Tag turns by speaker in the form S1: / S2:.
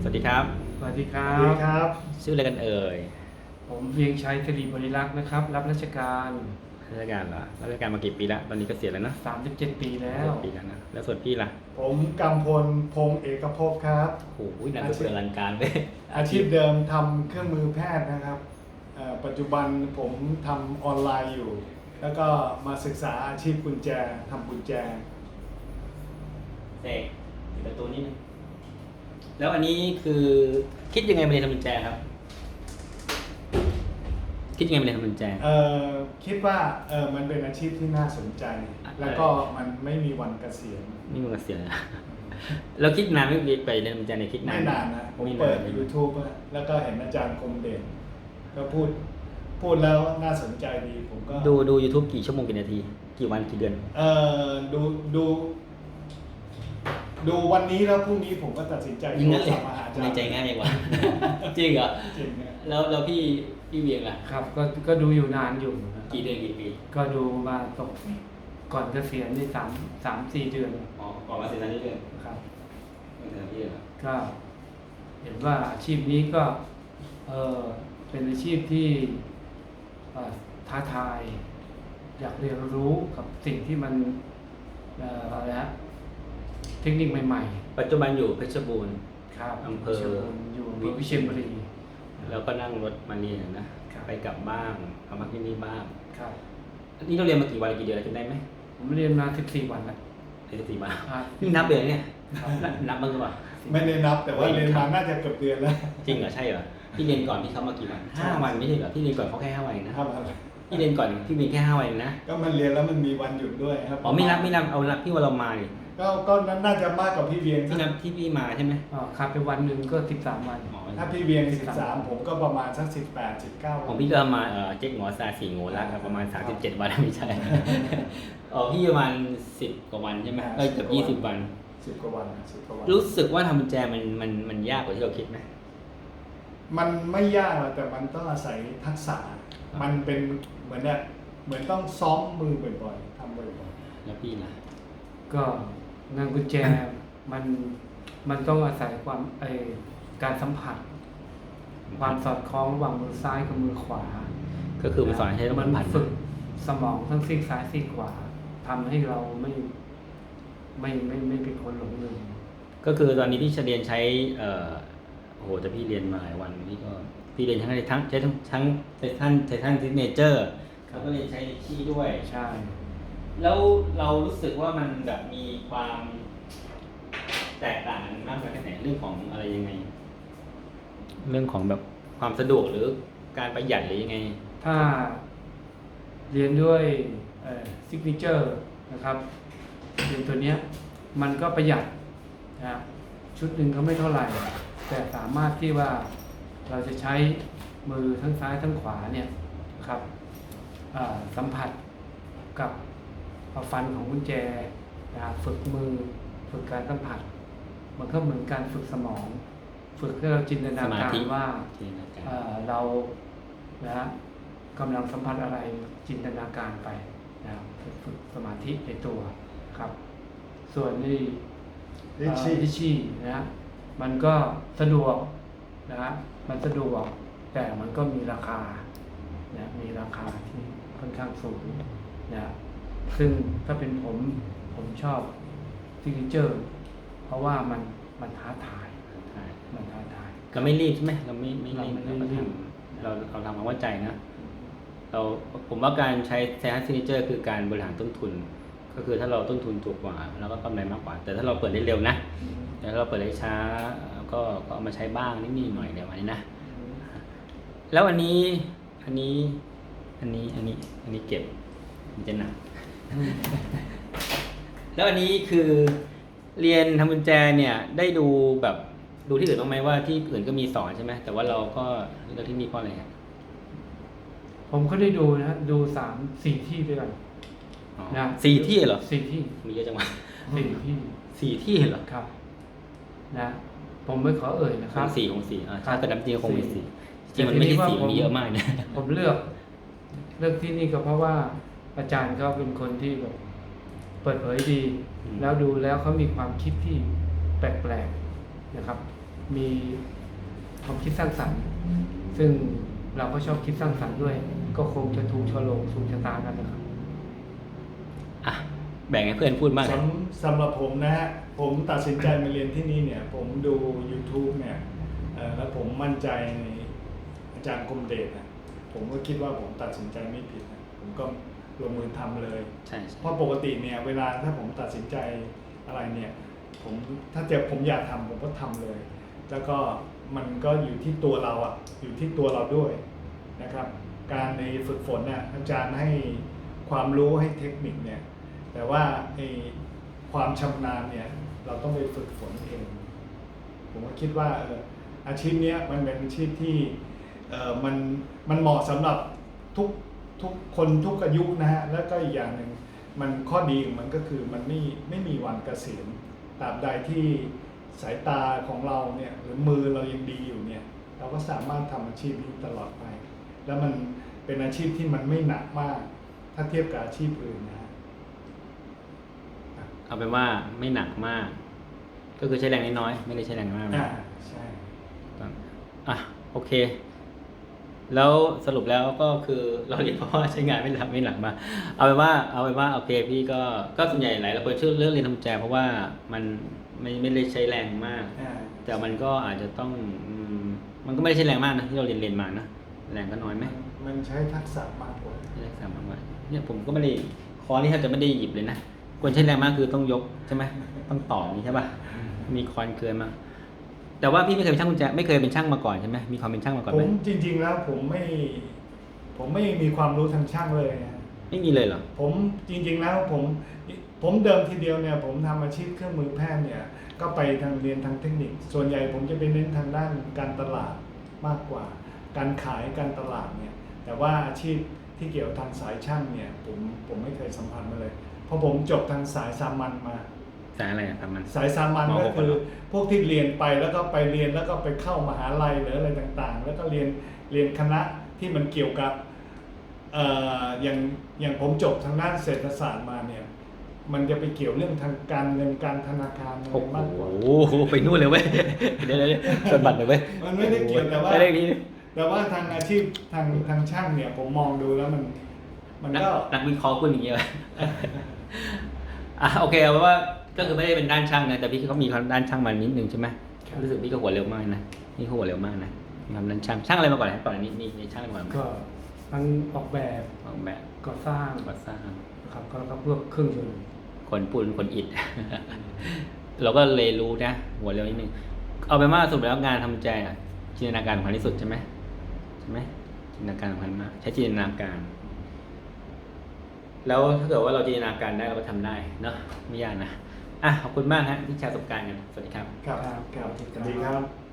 S1: สวัสดีครับ
S2: สวัสดีครั
S3: สวัสดี
S2: บ
S3: ครับ
S1: ชื่ออะไรกันเอ่ย
S2: ผมเวียงชัยสิริบริลักษ์นะครับรับราชการ
S1: ราชการเหรอราชการมากี่ปีแล้วตอนนี้เกษียณแล้วเนอะ
S2: 37 ปีแล้ว
S1: ปีแล้วนะแล้วส่วนพี่ล่ะ
S3: ผมกำพลพงษ์เอกภพครับ
S1: โอ้โหนามสกุลอลังการเลย
S3: อาชีพเดิมทำเครื่องมือแพทย์นะครับปัจจุบันผมทำออนไลน์อยู่ แล้วก็มาศึกษาอาชีพกุญแจทำกุญแจ
S1: เสกปิดประตูนิดนึงแล้วอันนี้คือคิดยังไงมาเรียนทำกุญแจครับ คิดยังไงมาเรียนทำกุญแจ
S3: คิดว่ามันเป็นอาชีพที่น่าสนใจ แล้วก็มันไม่มีวันเกษียณ
S1: นี่มึงเกษียณแล้ว แล้วคิดนานไม่ไปเรียนทำกุญแจในยคิดนาน
S3: ไม่นานนะ ผม
S1: ไม่นาน
S3: เปิด YouTube อะแล้วก็เห็นอาจารย์คมเด่นก็พูดแล้วน่าสนใจดีผมก็
S1: ดู YouTube กี่ชั่วโมงกี่นาที กี่วันกี่เดือน
S3: ดูวันนี้แล้วพรุ่งนี้ผมก็ตัดสินใจ
S1: ยิงงั้นเลย
S3: โทรศัพท์มาหาอาจาร
S1: ใน
S3: ย์
S1: ใจง่ายกว่า จริงเหรอ
S3: จริงนะ
S1: แล้วพี่เวียงล่ะ
S2: ครับก็ดูอยู่นานอยู่นะครับ
S1: กี่เดือนกี่ปี
S2: ก็ดูมาตกก่อนเกษียณนี่3-4 เดือน
S1: อ๋อก่อนมาเซ็นสัญญาเดือน
S2: ครับ
S1: ไม่เดือนพี่เหรอ
S2: ก็เห็นว่าอาชีพนี้ก็เป็นอาชีพที่ท้าทาย อยากเรียนรู้กับสิ่งที่มันอะไรฮะเทคนิคใหม่ๆ
S1: ปัจจุบันอยู่เพชรบูรณ์
S2: ครับ
S1: อำเภอ
S2: อยู่อำเภอวิเชียรบุรี
S1: แล้วก็นั่งรถมาเรียนนะครับ ไปกลับบ้างเอามาที่นี่บ้าง
S2: ครับ
S1: นี่เราเรียนมากี่วันกี่เดือนแล้วจำได้ไหม
S2: ผมเรียนมา14 วันแล้ว
S1: เดือนสี่มา
S2: ครับ
S1: นี่นับเดือนเนี่ยนับบ้างหรือเปล่า
S3: ไม่ได้นับแต่ว่าเรียนมาน่าจะเกือบเดือนแล้ว
S1: จริงเหรอใช่เหรอพี่เรียนก่อนพี่เขามากี่วัน5 วันไม่ใช่เหรอพี่เรียนก่อนเขาแค่5 วันเองนะครับ พี่เรียนก่อนพี่มีแค่5 วันเองนะ
S3: ก็มันเรียนแล้วมันมีวันหยุดด้วยครับ
S1: อ๋อไม่นับเอานับพี่ว่าเรามาดิ
S3: ก็น่าจะมากกว่าพี่เวียง
S1: พี่นับที่พี่มาใช่ไหม
S2: ครับไปวันหนึ่งก็13 วัน
S1: อ๋อ
S3: ถ้าพี่เวียง13ผมก็ประมาณสัก18 19
S1: ของพี่ก็มาเจ๊กหงอซาสี่โง่ละครับประมาณ37 วันไม่ใช่ อ๋อพี่ประมาณ10 กว่าวันใช่ไหมเกือบ20 วัน
S3: 10 กว่าวัน10 กว่าวัน
S1: รู้สึกว่าทำกุญแจมันยากกว่าที่เราคิดไหม
S3: มันไม่ยากหรอกแต่มันต้องอาศัยทักษะ มันเป็นเหมือนต้องซ้อมมือบ่อยๆทำบ่อย
S1: แล้วพี่ล่ะ
S2: ก็งานกุญแจมันต้องอาศัยการสัมผัส ความสอดคล้องระหว่างมือซ้ายกับมือขวา
S1: ก็คือมันสอนให้เรา
S2: มัน
S1: ผัน
S2: ฝึกสมองทั้งซีกซ้ายซีกขวาทำให้เราไม่เป็นคนหลงลืม
S1: ก็คือตอนนี้พี่เรียนใช้โอ้โหแต่พี่เรียนมาหลายวันพี่เรียนใช้ทั้งไททันซิกเนเจอร์แล้วก็เรียนใช้ลิชี่ด้วย
S2: ใช่
S1: แล้วเรารู้สึกว่ามันแบบมีความแตกต่างกันมากน้อยแค่ไหนเรื่องของอะไรยังไง เรื่องของแบบความสะดวกหรือการประหยัดหรือยังไง
S2: ถ้าเรียนด้วยซิกเนเจอร์นะครับเรียนตัวเนี้ยมันก็ประหยัดนะชุดหนึ่งก็ไม่เท่าไหร่ แต่สามารถที่ว่าเราจะใช้มือทั้งซ้ายทั้งขวาเนี่ยครับสัมผัสกับฟันของกุญแจนะครับฝึกมือฝึกการสัมผัส มันก็เหมือนการฝึกสมอง ฝึกให้เราจินตนาการว่าเรานะกำลังสัมผัสอะไรจินตนาการไปนะครับฝึกสมาธิในตัวครับ ส่วนนี่
S3: ๆลิชชี่
S2: นะมันก็สะดวกนะมันสะดวกแต่มันก็มีราคานะมีราคาที่ค่อนข้างสูงนะซึ่งถ้าเป็นผมชอบซิกเนเจอร์เพราะว่ามันท้าทายมันท้าทาย
S1: เราไม่รีบใช่ไหมเราไม่รีบ
S2: เราไม่
S1: เราก็
S2: รี
S1: ท
S2: บ
S1: ำเราทำความเข้าใจนะผมว่าการใช้ไททันซิกเนเจอร์คือการบริหารต้นทุน ก็คือถ้าเราต้นทุนถูกกว่าเราก็กำไรมากกว่า แต่ถ้าเราเปิดได้เร็วนะแต่ถ้าเราเปิดได้ช้าก็เอามาใช้บ้างนิดหน่อยเดี๋ยววันนี้นะแล้วอันนี้เก็บมันจะหนัก แล้วอันนี้คือเรียนทำกุญแจเนี่ยได้ดูที่อื่นบ้างไหมว่าที่อื่นก็มีสอนใช่ไหมแต่ว่าเราก็เลือกที่นี่เพราะอะไรครับ
S2: ผมก็ได้ดูนะดู3-4 ที่ด้วยกัน
S1: อ๋อ
S2: นะ
S1: 4 ที่เหรอ
S2: 4 ที่
S1: มีเยอะจังวะ
S2: 4 ที่
S1: 4 ที่เหรอ
S2: ครับนะผมไม่ขอเอ่ยนะค
S1: ข
S2: รั
S1: อบ ง4ถ้าเกิดน้ำจริงคงมี
S2: สี่
S1: 4จริงมันไม่ใช่4มันมีเยอะมากนะ
S2: ผมเลือกที่นี่ก็เพราะว่าอาจารย์เขาเป็นคนที่แบบเปิดเผยดี แล้วดูแล้วเขามีความคิดที่แปลกๆนะครับมีความคิดสร้างสรรค์ ซึ่งเราก็ชอบคิดสร้างสรรค์ด้วย ก็คงจะถูกฉลกถูกชะตากันนะครับ
S1: อ่ะแบ่งให้เพื่อนพูดบ้าง
S3: สำหรับผมนะฮะผมตัดสินใจมาเรียนที่นี่เนี่ยผมดู YouTube เนี่ยแล้วผมมั่นใจในอาจารย์คมเดชนะผมก็คิดว่าผมตัดสินใจไม่ผิดนะผมก็ลงมือทำเลย
S1: ใช่
S3: เพราะปกติเนี่ยเวลาถ้าผมตัดสินใจอะไรเนี่ยถ้าผมอยากทำผมก็ทำเลย แล้วก็มันก็อยู่ที่ตัวเราอ่ะอยู่ที่ตัวเราด้วยนะครับ การในฝึกฝนเนี่ยอาจารย์ให้ความรู้ให้เทคนิคเนี่ยแต่ว่าไอ้ความชำนาญเนี่ยเราต้องไปฝึกฝนเองผมก็คิดว่าอาชีพเนี้ยมันเป็นอาชีพที่มันเหมาะสำหรับทุกคนทุกอายุนะฮะแล้วก็อีกอย่างหนึ่งมันข้อดีของมันก็คือมันไม่มีวันเกษียณตราบใดที่สายตาของเราเนี่ยหรือมือเรายังดีอยู่เนี่ยเราก็สามารถทำอาชีพนี้ตลอดไป แล้วมันเป็นอาชีพที่มันไม่หนักมาก ถ้าเทียบกับอาชีพอื่นนะฮะ
S1: เอาเป็นว่าไม่หนักมาก ก็คือใช้แรงน้อยๆไม่ได้ใช้แรงมากนะ
S3: ใช่
S1: อ่ะโอเค แล้วสรุปแล้วก็คือเราเรียนเพราะว่าใช้งานไม่หนักมากเอาเป็นว่าโอเคพี่ก็ส่วนใหญ่หลายคนชื่อเรื่องเรียนทำกุญแจเพราะว่ามันไม่ได้ใช้แรงมาก แต่มันก็อาจจะต้องมันก็ไม่ได้ใช้แรงมากนะที่เราเรียนมานะแรงก็น้อยไหม
S3: มันใช้ทักษะมากกว่า
S1: ใช้แรงมากกว่าเนี่ยผมก็ไม่ได้คอร์สนี่แทบจะไม่ได้หยิบเลยนะควรใช้แรงมากคือต้องยกใช่ไหมต้องต่อนี่ใช่ป่ะมีคอนเกินมาแต่ว่าพี่ไม่เคยเป็นช่างกุญแจไม่เคยเป็นช่างมาก่อนใช่ไหมมีความเป็นช่างมาก่อน
S3: ผ
S1: ไหม
S3: มจริงๆแล้วผมไม่มีความรู้ทางช่างเลยนะ
S1: ไม่มีเลยเหรอ
S3: ผมจริงๆแล้วผมเดิมทีเดียวเนี่ยผมทำอาชีพเครื่องมือแพทย์เนี่ยก็ไปทางเรียนทางเทคนิค ส่วนใหญ่ผมจะไปเน้นทางด้านการตลาดมากกว่า การขายการตลาดเนี่ยแต่ว่าอาชีพที่เกี่ยวทางสายช่างเนี่ยผมไม่เคยสัมผัสมาเลยเพราะผมจบทางสายสามัญมา
S1: สายอะไรอะครับมัน
S3: สายสามัญ
S1: ม
S3: ก็
S1: หก
S3: คือ
S1: เหรอ
S3: พวกที่เรียนไปแล้วก็ไปเรียนแล้วก็ไปเข้ามหาลัยหรืออะไรต่างๆ แล้วก็เรียนคณะที่มันเกี่ยวกับอย่างผมจบทางด้านเศรษฐศาสตร์มาเนี่ยมันจะไปเกี่ยวเรื่องทางการเงินการธนาคารอะไร
S1: โอ้
S3: มากกว่า
S1: โหไปนู่นเลยเว้ยเดี๋ยวชนบัตรเลยเว้ย
S3: มันไม่ได้เกี่ยวแต่ว่า
S1: ไม่ได้นี่
S3: แต่ว่าทางอาชีพทางช่างเนี่ยผมมองดูแล้วมันก็
S1: นักวิเคราะห์คุณอย่างเงี้ย อ่ะโอเคเอาไว้ว่าก็คือไม่ได้เป็นด้านช่างนะแต่พี่เขามีความด้านช่างมานิดนึงใช่ไหมรู้สึกพี่ก็หัวเร็วมากนะนี่เขาหัวเร็วมากนะมีความด้านช่างอะไรมาก่อนนะก่อนอันนี่ช่างอะไรมาก่อนไหม
S2: ก็ทั้งออกแบบ
S1: ออกแบบ
S2: ก่อสร้าง
S1: ก่อสร้าง
S2: นะครับก็พวกเครื่องยนต์
S1: คนปูนคนอิฐ เราก็เลยรู้นะหัวเร็วนิดนึงเอาเป็นว่าสรุปแล้วงานทำใจอะจินตนาการสำคัญที่สุดใช่ไหมจินตนาการสำคัญมากใช้จินตนาการ แล้วถ้าเกิดว่าเราจินตนาการได้เราก็ทำได้เนาะไม่ยากนะอ่ะขอบคุณมากฮะที่แชร์ประสบการณ์กันสวัสดีครับ
S3: ครับ
S2: ครับ
S3: สวัสดีครับ